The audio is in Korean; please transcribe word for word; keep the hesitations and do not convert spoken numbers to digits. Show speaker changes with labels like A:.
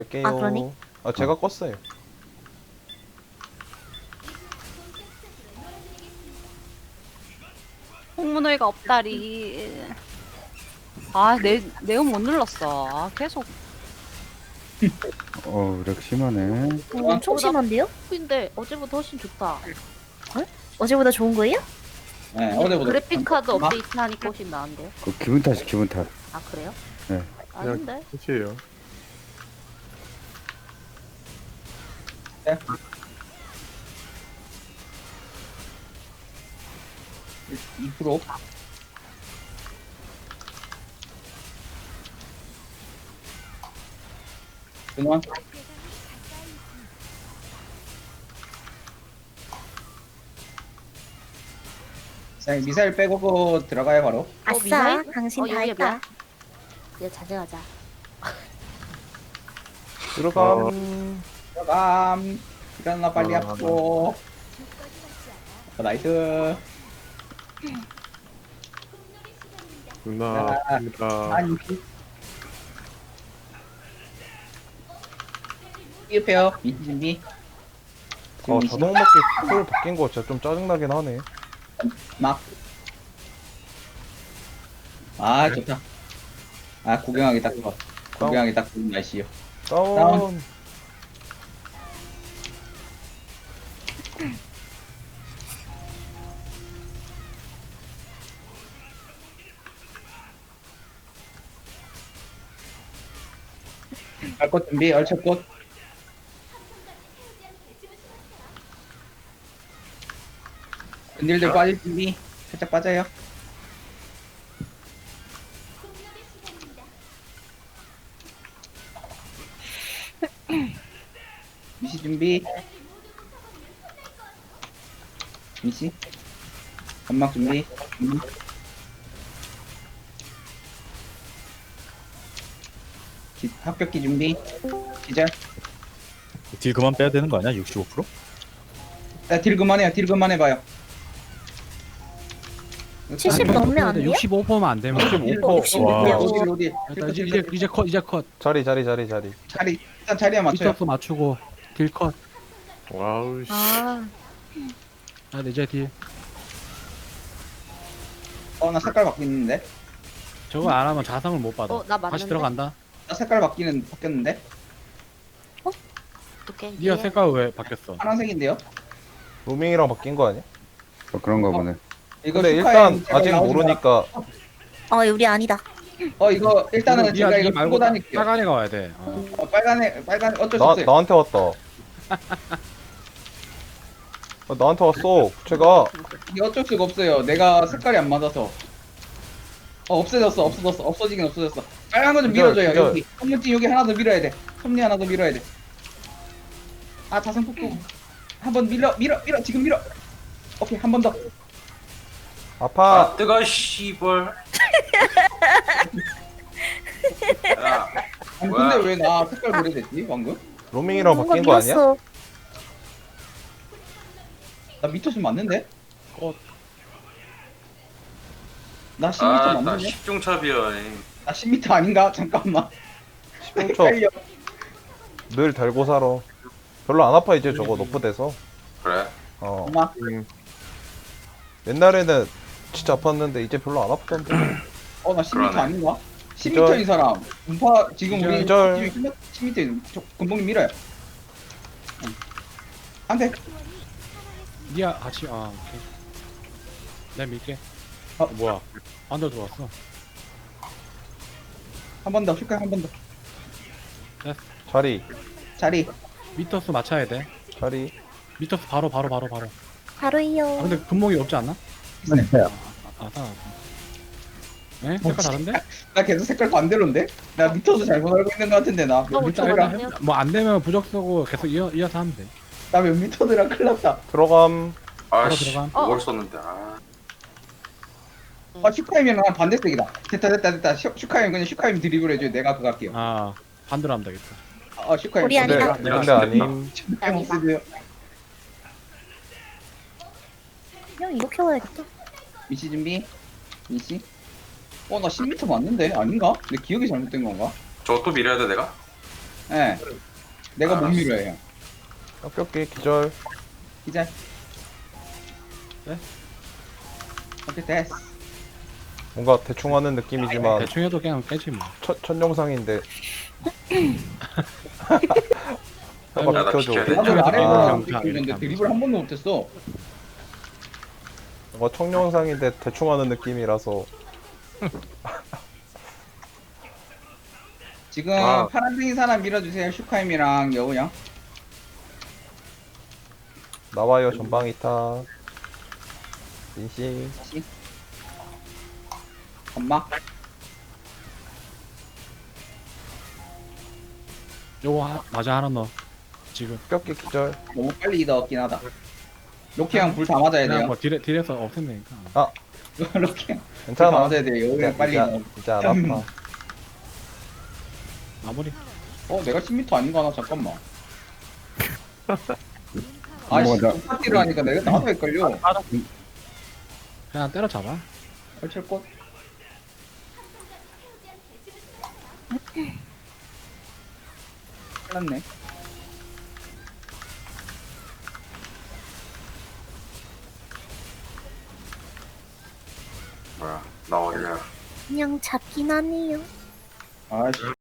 A: 갈게요.
B: 아, 그러네?
A: 아, 제가 껐어요.
C: 홍문회가 없다리. 아, 내, 내용 못 눌렀어. 아, 계속.
D: 어, 렉 심하네.
B: 어, 엄청 심한데요?
C: 근데 어제보다 훨씬 좋다.
B: 어제보다 좋은 거예요?
E: 네, 어제보다
C: 그래픽 카드
E: 막-
C: 업데이트 하니까 훨씬 나은데요?
D: 그 기분 탓이 기분 탓.
C: 아, 그래요?
D: 네.
C: 아닌데?
F: 끝이에요.
E: 이 퍼센트 그만. 자, 미사일 빼고 그 들어가요 바로.
B: 아싸,
C: 미사일?
B: 당신
C: 어,
B: 다
C: 여기
B: 했다.
C: 뭐야? 이제 자제하자.
A: 들어감.
E: 들어감. 일어나 빨리
F: 아.
E: 하고. 어, 나이스.
F: 누나
E: 아,
F: 아닙니다.
E: 아니. 삐up해요. 미치 준비.
A: 어, 자동 먹기 풀 바뀐 거 진짜 좀 짜증나긴 하네.
E: 막. 아 좋다. 아 구경하기 딱 좋아. 구경하기 딱 좋은 날씨요.
A: 다운.
E: 다운. 갈꽃 준비. 얼척꽃. 근딜들 빠질 준비. 살짝 빠져요. 미시 준비. 미시. 연막 준비. 음. 기, 합격기 준비. 기절.
G: 딜 그만 빼야 되는 거 아니야? 육십오 퍼센트?
E: 자, 딜 그만해요. 딜 그만해봐요.
B: 칠십 넘으면 안 돼요?
H: 육십오 퍼센트만 안 되면
A: 육십오 퍼센트.
G: 와.
E: 네, 어디 어디.
H: 일단 이제 이제 컷 이제 컷
A: 자리, 자리, 자리, 자리.
E: 자리 일단 자리에 맞춰요.
H: 미터스 맞추고 딜 컷.
F: 와우 씨.
B: 아,
H: 아, 네, 이제 딜.
E: 어, 나 색깔 바뀌는데.
H: 저거 안 하면 자상을 못 받아.
C: 어, 나 맞는데?
H: 다시 들어간다.
E: 나 색깔 바뀌는 바뀌었는데.
C: 어떡해.
H: 니가 색깔 왜 바뀌었어?
E: 파란색인데요.
A: 로밍이랑 바뀐 거 아니야?
D: 어, 그런가 보네.
E: 이거
A: 근데
E: 슈카엔
A: 일단
E: 제가
A: 아직
E: 나오지
A: 모르니까
B: 어, 우리 아니다.
E: 마- 어 이거 일단은
H: 니가
E: 제가
H: 니
E: 이거 들고
H: 말고
E: 다닐게요.
H: 빨간 애가 와야 돼. 어.
E: 어, 빨간에 빨간 어쩔 수
A: 나,
E: 없어요.
A: 나한테 왔다. 아, 나한테 왔어. 제가
E: 이게 어쩔 수가 없어요. 내가 색깔이 안 맞아서. 어 없어졌어 없어졌어 없어지긴 없어졌어. 빨간 거 좀
A: 기절,
E: 밀어줘요.
A: 기절.
E: 여기 섭문지 여기 하나 더 밀어야 돼. 섭리 하나 더 밀어야 돼. 아 자성 폭풍 한번 밀어 밀어 밀어 지금 밀어. 오케이 한 번 더.
A: 아파.
I: 아 뜨거 씨벌. 야,
E: 아니
I: 뭐야?
E: 근데 왜 나 색깔 그래됐지 방금?
A: 로밍이랑
B: 뭔가
A: 바뀐 거 아니야?
B: 밀었어.
E: 나 미터스 맞는데?
H: 어.
E: 나 십 미터
I: 아, 나
E: 맞는데?
I: 십중첩이야.
E: 나 십 미터 아닌가? 잠깐만.
A: 십중첩
E: 헷갈려.
A: 늘 달고 살아. 별로 안 아파 이제 저거 너프돼서.
I: 그래?
A: 어.
E: 엄마.
A: 옛날에는 진짜 아팠는데 이제 별로 안 아프던데.
E: 어, 나 십 미터
I: 그러네.
E: 아닌가? 십 미터인 사람. 음파, 지금 우리
A: 기절.
E: 십 미터인, 저, 금봉님 밀어요. 응. 안 돼.
H: 니가 같이 아 오케이. 내가 밀게.
E: 어.
H: 어, 뭐야? 안들 들어왔어.
E: 한 번 더, 슈카 한 번 더.
A: 자리,
E: 자리.
H: 미터스 맞춰야 돼.
A: 자리.
H: 미터스 바로 바로 바로 바로.
B: 바로이요.
H: 아 근데 분목이 없지 않나?
D: 네.
H: 아, 아, 네? 색깔 다른데?
E: 나 계속 색깔 반대로인데? 나 미터도 잘못 알고 있는 것 같은데, 나. 몇
C: 어,
E: 미터더라?
C: 잠깐만요.
H: 뭐안 되면 부적 쓰고 계속 이어 이어서 하면 돼.
E: 나 몇 미터더라? 큰일 났다.
A: 들어감.
I: 아씨,
H: 들어감.
I: 그걸 썼는데. 아,
E: 아, 슈카임이랑 난 반대색이다. 됐다, 됐다, 됐다. 슈, 슈카임, 그냥 슈카임 드리블 해줘요. 내가 그거 할게요.
H: 아 반대로 하면 되겠다.
E: 아, 슈카임.
B: 우리
A: 근데,
B: 아니다.
A: 근데 아님.
E: 슈카임 없으세요.
B: 그냥 이렇게 와야겠다.
E: 미시 준비. 미시. 어, 나 십 미터 맞는데? 아닌가? 내 기억이 잘못된 건가?
I: 저거 또 밀어야 돼 내가?
E: 예. 내가 못
I: 알았어.
E: 밀어요 형.
A: 뼈끼 기절.
E: 기자.
H: 네?
E: 오케이 됐어.
A: 뭔가 대충 하는 느낌이지만
H: 대충 해도 그냥 빼지 뭐.
A: 첫, 첫 영상인데
H: 아이고,
A: 한번 비켜줘.
I: 야, 나
E: 나도
H: 아,
E: 아래로
H: 경찰
E: 있는데
H: 이렇게
E: 드리블 한 번도 못했어.
A: 뭔가 첫 영상인데 대충 하는 느낌이라서
E: 지금
A: 아.
E: 파란색인 사람 밀어주세요. 슈카임이랑 여우 형.
A: 나와요 전방 이타. 민씨.
E: 다시. 엄마.
H: 요거 하, 맞아 하나 넣어. 지금.
A: 뼈끼 기절.
E: 너무 빨리 넣었긴 하다. 로키 형 불 다 맞아야
H: 그냥
E: 돼요.
H: 뭐 딜에, 딜에서 없앤다니까.
E: 로키 형. 불 다
A: 괜찮아.
E: 맞아야 돼요. 여우 형 빨리
A: 이제,
E: 넣어.
A: 이제 안 아파.
H: 마무리.
E: 어 내가 십 미터 아닌가 나 잠깐만. 아씨
D: 뭐가 나-
E: 똑같이로 하니까 내가 나도 헷갈려.
H: 그냥 때려잡아.
E: 펼칠 꽃. 큰일났네.
I: 뭐야 나 어디야
B: 그냥 잡긴 하네요.
E: 아씨